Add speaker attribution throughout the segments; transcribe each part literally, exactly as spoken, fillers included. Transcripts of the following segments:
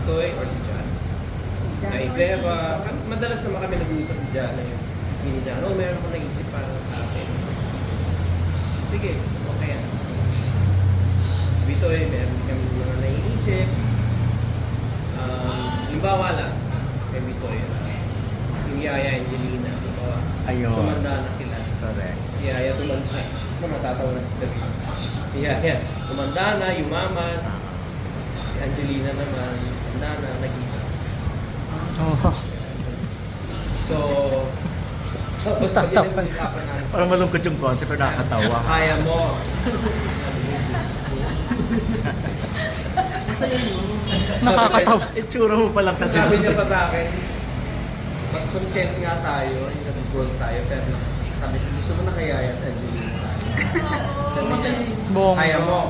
Speaker 1: Bitoy or si John.
Speaker 2: Si John
Speaker 1: Ay,
Speaker 2: or
Speaker 1: pero,
Speaker 2: si
Speaker 1: uh,
Speaker 2: John.
Speaker 1: madalas naman kami nag-uusap ni John na yun. Hindi ni John, oh, meron akong naisip para sa akin. Sige, okay yan. Si Bitoy, meron kami mga naiisip. Um, limbawa lang, kay Bitoy, uh, yung Yaya Angelina, limbawa,
Speaker 3: Ayun.
Speaker 1: tumanda na sila.
Speaker 3: Correct.
Speaker 1: Si Yaya tumanda, ay, ano, matatawa na si David. Si Yaya, tumanda na, yumaman. Si Angelina naman, tumanda na, nagita.
Speaker 3: Oh.
Speaker 1: So, tapos pag
Speaker 3: Tatawa.
Speaker 1: pinag-usapan namin,
Speaker 3: Parang malungkot yung concept pero nakakatawa.
Speaker 1: kaya mo.
Speaker 2: Masaya yun.
Speaker 3: Nakakatawa. Itsura mo pa lang kasi.
Speaker 1: Sabi niya pa sa akin, mag-content nga tayo, nag-goal tayo, pero sabi ko, gusto mo na kaya yan, Angelina tayo.
Speaker 2: Oo, masaya yun.
Speaker 3: Bongga.
Speaker 1: Kaya mo.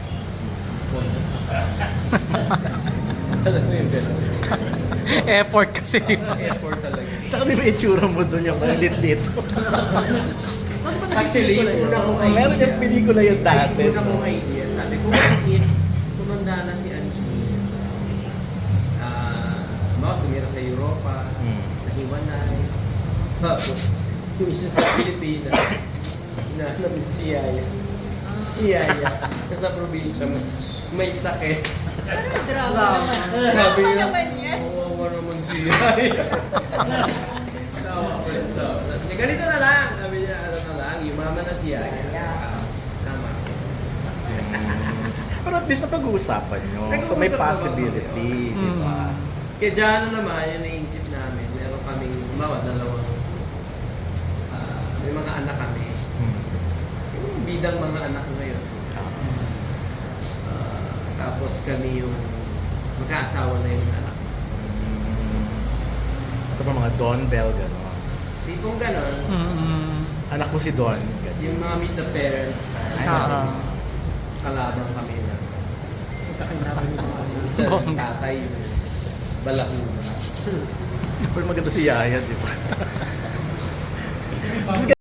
Speaker 1: Alam mo yung gano'n.
Speaker 3: Effort kasi, di ba?
Speaker 1: Effort talaga.
Speaker 3: Tsaka di ba itsura mo doon yung malit dito?
Speaker 1: Actually, yung una kong idea.
Speaker 3: Meron yung pelikula yun dati.
Speaker 1: Yung una kong idea, sabi ko, what if tumanda na si Angelina? Ah, mga tumira sa Europa,
Speaker 3: Hmm.
Speaker 1: nahiwalay. Tapos, yung isa sa Pilipinas, hinahanap niya si Yaya. Si Yaya, nasa probinsya, may, may sakit.
Speaker 2: Drama naman.
Speaker 1: Sabi
Speaker 2: Drama
Speaker 1: niya,
Speaker 2: naman yan.
Speaker 1: "Kawawa naman si Yaya." Tawa ko yun, tawa. Sabi, ganito na lang. Sabi niya, ano na lang, yumaman na si Yaya. Ah, Tama.
Speaker 3: Pero at least napag-uusapan nyo. So may
Speaker 1: Nag-uusap naman
Speaker 3: possibility,
Speaker 1: kami,
Speaker 3: di ba?
Speaker 1: Kaya dyan naman, yung naisip namin, meron kaming, umawa, dalawang, ah, may mga anak kami.
Speaker 3: Hmm.
Speaker 1: Yung bidang mga anak ngayon. Ah, tapos kami yung magkaasawa na yung anak.
Speaker 3: Ito pa mga Don Bell, gano'n.
Speaker 1: Tipong ganon,
Speaker 4: Mm-hmm.
Speaker 3: Anak mo si Don. Gano'n.
Speaker 1: yung mga meet the parents, ay,
Speaker 4: Ah.
Speaker 1: kalabang kami na.
Speaker 4: Kailangan
Speaker 1: Yung isa ng tatay, yung balakuna.
Speaker 3: Pero maganda si Yaya, di ba?